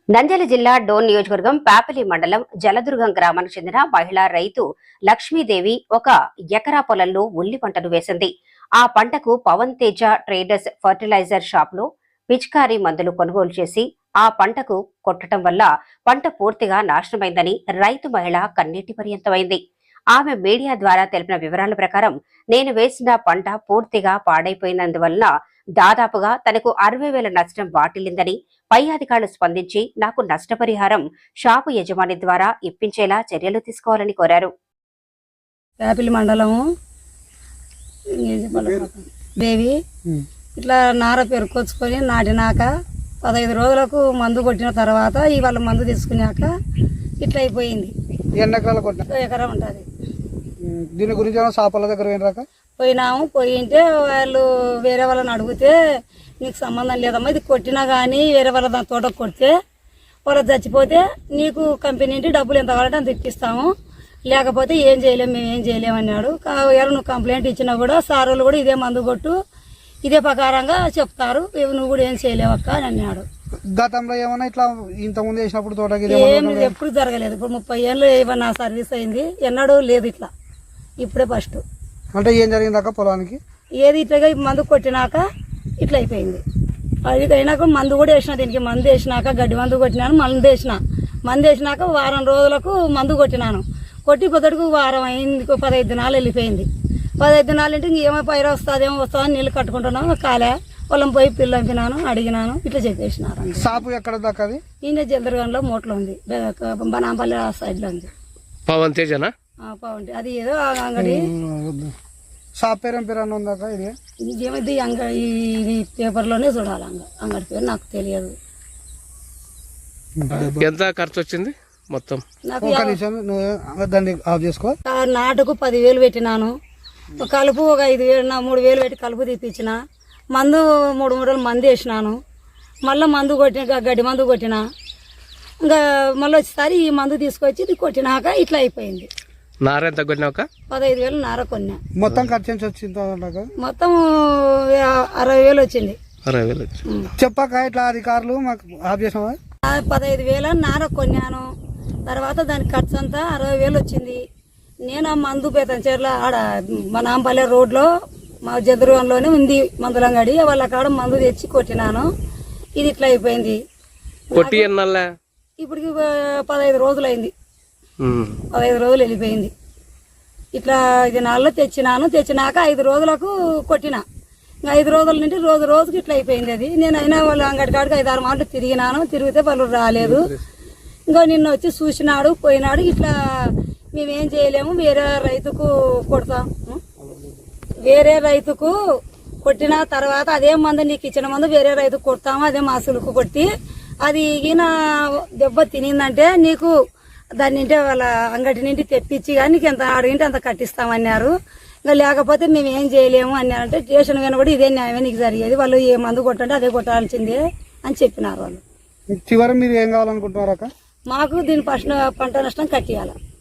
నంద్యాల జిల్లా డోన్ నియోజకవర్గం పాపిలి మండలం జలదుర్గం గ్రామానికి చెందిన మహిళా రైతు లక్ష్మీదేవి ఒక ఎకరా పొలంలో ఉల్లి పంటను వేసింది. ఆ పంటకు Pavan Teja traders fertiliser shop లో పిచికారీ మందులు కొనుగోలు చేసి ఆ పంటకు కొట్టడం వల్ల పంట పూర్తిగా నాశనమైందని రైతు మహిళ కన్నీటి పర్యంతమైంది. ఆమె మీడియా ద్వారా తెలిపిన వివరాల ప్రకారం నేను వేసిన పంట పూర్తిగా పాడైపోయినందువల్ల దాదాపుగా తనకు 60,000 నష్టం వాటిల్లిందని పై అధికారులు స్పందించి నాకు నష్టపరిహారం షాపు యజమాని ద్వారా ఇప్పించేలా చర్యలు తీసుకోవాలని కోరారు. యాపిల్ మండలము దేవి ఇట్లా నార పెరుకొచ్చుకొని నాటినాక 15 రోజులకు మందు కొట్టిన తర్వాత ఇవాళ మందు తీసుకున్నాక ఇట్లా అయిపోయింది. ఎకరం ఉంటుంది. దీని గురించి షాపుల దగ్గర పోయినాము. పోయింటే వాళ్ళు వేరే వాళ్ళని అడిగితే నీకు సంబంధం లేదమ్మా, ఇది కొట్టినా కానీ వేరే వాళ్ళ దాని తోట కొడితే వాళ్ళు చచ్చిపోతే నీకు కంపెనీ నుండి డబ్బులు ఎంత కావాలంటే అంత ఇప్పిస్తాము, లేకపోతే ఏం చేయలేము, మేము ఏం చేయలేము అన్నాడు. ఎవరు నువ్వు కంప్లైంట్ ఇచ్చినా కూడా సార్ వాళ్ళు కూడా ఇదే మందు కొట్టు ఇదే ప్రకారంగా చెప్తారు, నువ్వు కూడా ఏం చేయలేవక్క అని అన్నాడు. గతంలో ఏమన్నా ఇట్లా ఇంతకుముందు వేసినప్పుడు తోటకి ఏం ఎప్పుడు జరగలేదు. ఇప్పుడు 30 ఏళ్ళు ఏమన్నా సర్వీస్ అయింది, ఎన్నడూ లేదు ఇట్లా, ఇప్పుడే ఫస్ట్. అంటే ఏం జరిగిందాక పొలానికి ఏది ఇట్లాగా మందు కొట్టినాక ఇట్లా అయిపోయింది. అది అయినాక మందు కూడా వేసిన, దీనికి మందు వేసినాక గడ్డి మందు కొట్టినాను, మందు వేసినాక వారం రోజులకు మందు కొట్టినాను. కొట్టి పొద్దుకు వారం అయింది, 15 దినాలు వెళ్ళిపోయింది. 15 దినాలు అంటే ఇంకేమో పైరు వస్తుందని నీళ్ళు కట్టుకుంటున్నాను. కాలే పొలం పోయి పిల్లలు పంపినాను, అడిగినాను, ఇట్లా చెప్పేసినారు. షాపు ఎక్కడ దాకా? ఈయన జందరగంలో మోట్లో ఉంది, బనాంపల్లి ఆ సైడ్ లో ఉంది. పవన్ తేజనా? పవన్ అది ఏదో అంగడి షాప్ పేరు ఉందాక ఇది ఏమైంది అంగడి ఇది పేపర్లోనే చూడాలి. అంగడి పేరు నాకు తెలియదు. ఎంత ఖర్చు వచ్చింది మొత్తం? నాటుకు 10,000 పెట్టినాను. కలుపు ఒక 5,000 3,000 పెట్టి కలుపు తీపించిన. మందు 3 మూడలు మందు వేసినాను. మళ్ళీ మందు కొట్టిన, గడ్డి మందు కొట్టిన. ఇంకా మళ్ళీ వచ్చేసారి ఈ మందు తీసుకొచ్చి ఇది కొట్టినాక ఇట్లా అయిపోయింది. నార ఎంత కొట్టినాక? 15,000 నార కొన్నా. మొత్తం ఖర్చు ఎంత వచ్చింది? మొత్తం 60,000 వచ్చింది. చెప్పాక ఇట్లా అధికారులు మాకు ఆఫ్ చేసామా? 15,000 నార కొన్నాను. తర్వాత దాని ఖర్చు అంతా 60,000 వచ్చింది. నేను ఆ మందు పేతంచేర్ల ఆడ మన నాంపల్లె రోడ్లో మా జదురుగంలోనే ఉంది మందులంగడి, వాళ్ళ కాడ మందు తెచ్చి కొట్టినాను. ఇది ఇట్లా అయిపోయింది. ఇప్పటికి 15 రోజులు అయింది. 15 రోజులు వెళ్ళిపోయింది. ఇట్లా 5 నెలల్లో తెచ్చినాక 5 రోజులకు కొట్టిన. 5 రోజుల నుండి రోజుకి ఇట్లా అయిపోయింది. అది నేను అయినా వాళ్ళు అంగడి కాడికి 5-6 మాటలు తిరిగినాను. తిరిగితే వాళ్ళు రాలేదు. ఇంకా నిన్న వచ్చి చూసినాడు, పోయినాడు. ఇట్లా మేమేం చేయలేము, వేరే రైతుకు కొడతాం. వేరే రైతుకు కొట్టిన తర్వాత అదే మందు నీకు ఇచ్చిన మందు వేరే రైతుకు కొడతాము, అదే మాసులకు కొట్టి అది ఈయన దెబ్బ తినిందంటే నీకు దాని నింటే వాళ్ళ అంగటి నుండి తెప్పించి కానీ నీకు ఎంత అడిగింటే అంత కట్టిస్తామన్నారు. ఇంకా లేకపోతే మేము ఏం చేయలేము అన్నారంటే స్టేషన్ కానీ కూడా ఇదే న్యాయమే నీకు జరిగేది, వాళ్ళు ఏ మందు కొట్టంటే అదే కొట్టాల్సిందే అని చెప్పినారు వాళ్ళు. చివరి మీరు ఏం కావాలనుకుంటున్నారా? మాకు దీని పంట నష్టం కట్టియాలి.